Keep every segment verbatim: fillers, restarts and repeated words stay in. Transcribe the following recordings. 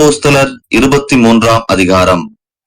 அப்போஸ்தலர் இருபத்தி மூன்றாம் அதிகாரம்.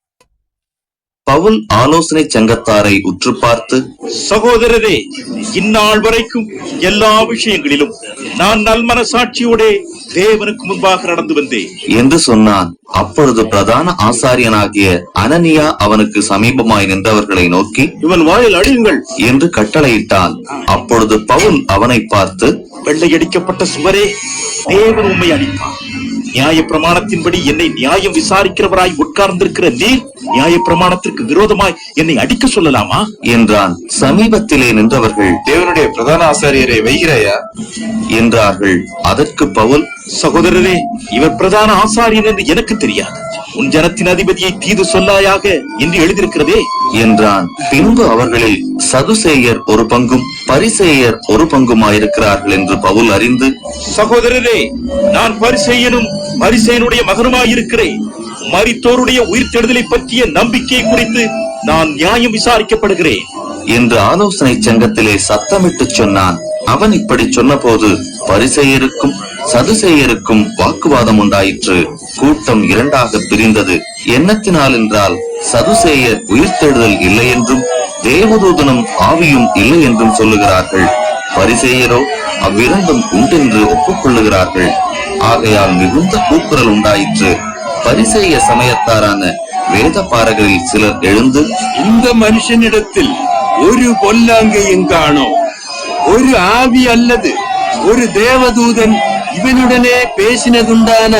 பவுல் ஆலோசனை சங்கத்தாரை உற்று பார்த்து, சகோதரரே, இந்நாள் வரைக்கும் எல்லா விஷயங்களிலும் நான் நல்மனசாட்சியோட தேவனுக்கு முன்பாக நடந்து வந்தேன் என்று சொன்னான். அப்பொழுது பிரதான ஆசாரியனாகிய அனனியா அவனுக்கு சமீபமாய் நின்றவர்களை நோக்கி, இவன் வாயில் அடியுங்கள் என்று கட்டளையிட்டான். அப்பொழுது பவுல் அவனை பார்த்து, வெள்ளையடிக்கப்பட்ட சுவரே, தேவன் உம்மை அடிப்பார். நியாய பிரமாணத்தின்படி என்னை நியாயம் விசாரிக்கிறவராய் உட்கார்ந்திருக்கிற நீர் நியாய பிரமாணத்திற்கு விரோதமாய் என்னை அடிக்க சொல்லலாமா என்றான். சமீபத்திலே நின்றவர்கள், தேவனுடைய பிரதான ஆசாரியரை வைகிறாயா என்றார்கள். அதற்கு பவுல், சகோதரரே, இவர் பிரதான ஆசாரியன் என்று எனக்கு தெரியாது. உன் ஜனத்தின் அதிபதியை தீது சொல்லாயாக என்று எழுதியிருக்கிறதே என்றான். பின்பு அவர்களில் சதுசேயர் ஒரு பங்கும் பரிசேயர் ஒரு பங்குமாயிருக்கிறார்கள் என்று பவுல் அறிந்து, சகோதரரே, நான் பரிசேயனும் பரிசேயனுடைய மகனுமாயிருக்கிறேன். மரித்தோருடைய உயிர்த்தெழுதலை பற்றிய நம்பிக்கை குறித்து நான் நியாயம் விசாரிக்கப்படுகிறேன் என்று ஆலோசனை சங்கத்திலே சத்தமிட்டு சொன்னான். அவன் இப்படி சொன்ன போது பரிசேயருக்கும் சதுசேயருக்கும் வாக்குவாதம் உண்டாயிற்று. கூட்டம் இரண்டாக பிரிந்தது. எண்ணத்தினால் என்றால் சதுசேயர் உயிர்த்தெழுதல் இல்லை என்றும் தேவதூதனும் ஆவியும் இல்லை என்றும் சொல்லுகிறார்கள். பரிசேயரோ அவ்விரண்டும் உண்டென்று ஒப்புக்கொள்ளுகிறார்கள். ஆகையால் மிகுந்த கூக்குரல் உண்டாயிற்று. பரிசேய சமயத்தாரான வேத பாரகரில் சிலர் எழுந்து, இந்த மனுஷனிடத்தில் ஒரு பொல்லாங்கையும் காணோம். ஒரு ஆவி அல்லது ஒரு தேவதூதன் இவனுடனே பேசினதுண்டான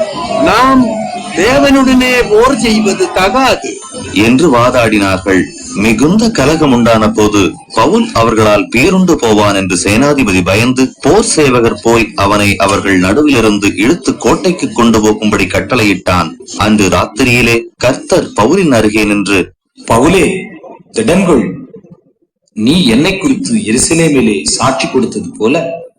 நாம் தேவனுடனே போர் செய்வது தகாது என்று வாதாடினார்கள். மிகுந்த கலகம் உண்டான போது பவுல் அவர்களால் பேருண்டு போவான் என்று சேனாதிபதி பயந்து போர் சேவகர் போய் அவனை அவர்கள் நடுவிலிருந்து இழுத்து கோட்டைக்கு கொண்டு போகும்படி கட்டளையிட்டான். அன்று ராத்திரியிலே கர்த்தர் பவுலின் அருகே நின்று, பவுலே, திடன்கொள். நீ என்னை குறித்து எருசலேமிலே சாட்சி கொடுத்தது போல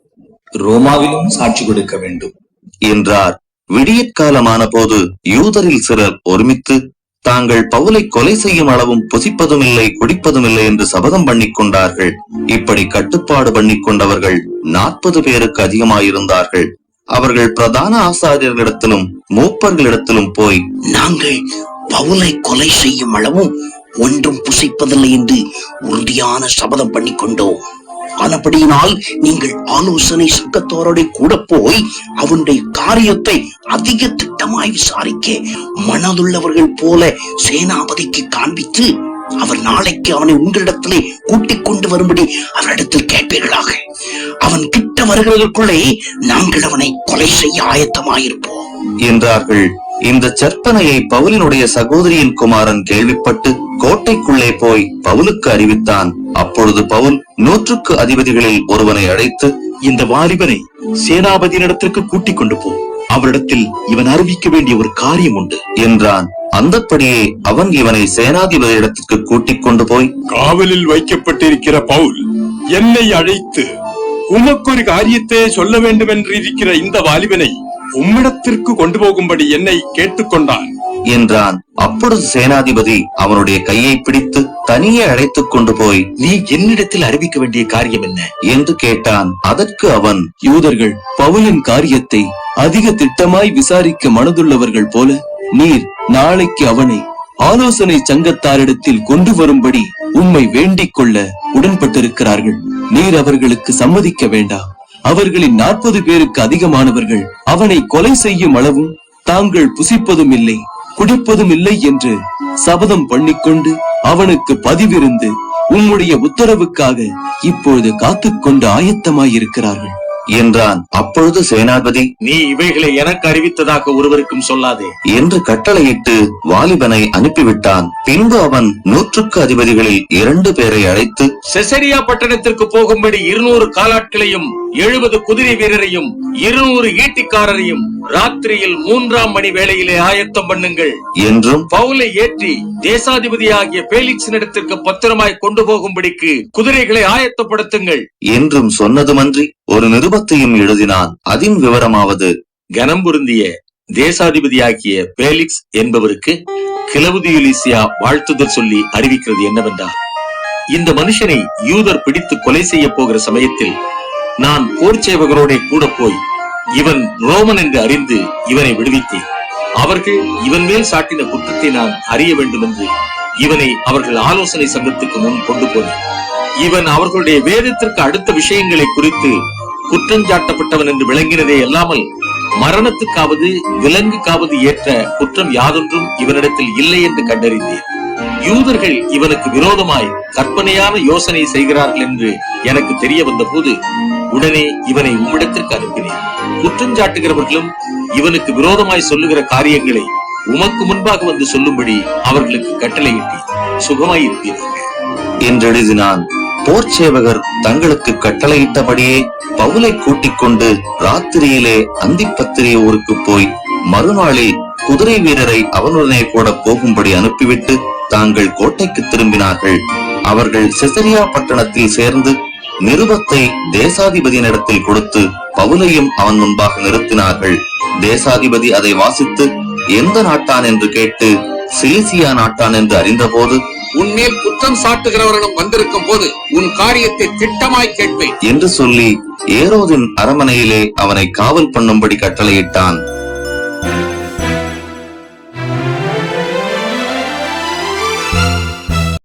ரோமாவிலும் சாட்சி கொடுக்க வேண்டும் என்றார். விடியற்காலமான போது யூதரில் சிலர் ஒருமித்து தாங்கள் பவுலை கொலை செய்யும் அளவும் புசிப்பதும் இல்லை குடிப்பதும் இல்லை என்று சபதம் பண்ணிக் கொண்டார்கள். இப்படி கட்டுப்பாடு பண்ணிக் கொண்டவர்கள் நாற்பது பேருக்கு அதிகமாயிருந்தார்கள். அவர்கள் பிரதான ஆசாரியர்களிடத்திலும் மூப்பர்களிடத்திலும் போய், நாங்கள் பவுலை கொலை செய்யும் அளவும் ஒன்றும் புசிப்பதில்லை என்று உறுதியான சபதம் பண்ணி கொண்டோம். ஆனபடியினால் நீங்கள் ஆலோசனை சங்கத்தோரோட கூட போய் அவனுடைய காரியத்தை அதிக திட்டமாய் விசாரிக்க மனதுள்ளவர்கள் போல சேனாபதிக்கு காண்பித்து அவர் நாளைக்கு அவனை உங்களிடத்திலே கூட்டிக் கொண்டு வரும்படி அவரிடத்தில் கேட்பீர்களாக. அவன் கிட்ட வருகிறதற்குள்ளே நாங்கள் அவனை கொலை செய்ய ஆயத்தமாயிருப்போம் என்றார்கள். இந்த சற்பனையை பவுலினுடைய சகோதரியின் குமாரன் கேள்விப்பட்டு கோட்டைக்குள்ளே போய் பவுலுக்கு அறிவித்தான். அப்பொழுது பவுல் நூற்றுக்கு அதிபதிகளில் ஒருவனை அழைத்து, இந்த வாலிபனை சேனாபதியினிடத்திற்கு கூட்டிக் கொண்டு போ. அவரிடத்தில் இவன் அறிவிக்க வேண்டிய ஒரு காரியம் உண்டு என்றான். அந்தப்படியே அவன் இவனை சேனாதிபதி இடத்திற்கு கூட்டிக் கொண்டு போய், காவலில் வைக்கப்பட்டிருக்கிற பவுல் என்னை அழைத்து உமக்கொரு காரியத்தை சொல்ல வேண்டும் என்று இருக்கிற இந்த வாலிபனை உம்மிடத்திற்கு கொண்டு போகும்படி என்னை கேட்டுக்கொண்டான் என்றான். அப்பொழுது சேனாதிபதி அவனுடைய கையை பிடித்து தனியே அழைத்துக் கொண்டு போய், நீ என்னிடத்தில் அறிவிக்க வேண்டிய காரியம் என்ன என்று கேட்டான். அதற்கு அவன், யூதர்கள் பவுலின் காரியத்தை அதிக திட்டமாய் விசாரிக்க மனதுள்ளவர்கள் போல நீர் நாளைக்கு அவனை ஆலோசனை சங்கத்தாரிடத்தில் கொண்டு வரும்படி உம்மை வேண்டிக் கொள்ள உடன்பட்டிருக்கிறார்கள். நீர் அவர்களுக்கு சம்மதிக்க வேண்டாம். அவர்களின் நாற்பது பேருக்கு அதிகமானவர்கள் அவனை கொலை செய்யும் அளவும் தாங்கள் புசிப்பதும் இல்லை குடிப்பதும் இல்லை என்று சபதம் பண்ணிக்கொண்டு அவனுக்கு பதிவிருந்து உம்முடைய உத்தரவுக்காக இப்பொழுது காத்துக்கொண்டு ஆயத்தமாயிருக்கிறார்கள் என்றான். அப்பொழுது சேனாபதி, நீ இவைகளை எனக்கு அறிவித்ததாக ஒருவருக்கும் சொல்லாதே என்று கட்டளையிட்டு வாலிபனை அனுப்பிவிட்டான். பின்பு அவன் நூற்றுக்கு அதிபதிகளில் இரண்டு பேரை அழைத்து, செசரியா பட்டணத்திற்கு போகும்படி இருநூறு காலாட்களையும் எழுபது குதிரை வீரரையும் இருநூறு ஈட்டிக்காரரையும் ராத்திரியில் மூன்றாம் மணி வேளையிலே ஆயத்தம் பண்ணுங்கள் என்றும், பவுலை ஏற்றி தேசாதிபதியாகிய பேலிக்ஸின் இடத்திற்கு பத்திரமாய் கொண்டு போகும்படிக்கு குதிரைகளை ஆயத்தப்படுத்துங்கள் என்றும் சொன்னதுமன்றி ஒரு நிருபத்தையும் எழுதினான். அதின் விவரமாவது, கனம் பொருந்திய தேசாதிபதியாகிய பேலிக்ஸ் என்பவருக்கு கிளவுதியுலிசியா வாழ்த்துதல் சொல்லி அறிவிக்கிறது என்னவென்றால், இந்த மனுஷனை யூதர் பிடித்து கொலை செய்ய போகிற சமயத்தில் நான் போர் சேவகரோட கூட போய் இவன் ரோமன் என்று அறிந்து இவனை விடுவித்தேன். அவர்கள் இவன் மேல் சாட்டின குற்றத்தை நான் அறிய வேண்டும் என்று இவனை அவர்கள் ஆலோசனை சங்கத்துக்கு முன் கொண்டு போனேன். இவன் அவர்களுடைய வேதத்திற்கு அடுத்த விஷயங்களை குறித்து குற்றஞ்சாட்டப்பட்டவன் என்று விளங்கினதே அல்லாமல் மரணத்துக்காவது விலங்குக்காவது ஏற்ற குற்றம் யாதொன்றும் இவனிடத்தில் இல்லை என்று கண்டறிந்தேன். யூதர்கள் இவனுக்கு விரோதமாய் கற்பனையான யோசனை செய்கிறார்கள் என்று எனக்கு தெரிய வந்த போது உடனே இவனை உம்மிடத்திற்கு அனுப்பினேன். குற்றஞ்சாட்டுகிறவர்களும் இவனுக்கு விரோதமாய் சொல்லுகிற காரியங்களை உமக்கு முன்பாக வந்து சொல்லும்படி அவர்களுக்கு கட்டளையிட்டேன். சுகமாயிருப்பீர்கள் என்றெழுதினான். போர் சேவகர் தங்களுக்கு கட்டளையிட்டபடியே பவுலை கூட்டிக் கொண்டு ராத்திரியிலே அந்திப்பத்திரிய ஊருக்கு போய் மறுநாளில் குதிரை வீரரை அவனுடனே கூட போகும்படி அனுப்பிவிட்டு தாங்கள் கோட்டைக்கு திரும்பினார்கள். அவர்கள் செசரியா பட்டணத்தில் சேர்ந்து நிருபத்தை தேசாதிபதியினிடத்தில் கொடுத்து பவுலையும் அவன் முன்பாக நிறுத்தினார்கள். தேசாதிபதி அதை வாசித்து எந்த நாட்டான் என்று கேட்டு சிலிசியா நாட்டான் என்று அறிந்தபோது, உன்மேல் குற்றம் சாட்டுகிறவர்களும் வந்திருக்கும் போது உன் காரியத்தை திட்டமாய் கேட்பேன் என்று சொல்லி ஏரோதின் அரமனையிலே அவனை காவல் பண்ணும்படி கட்டளையிட்டான்.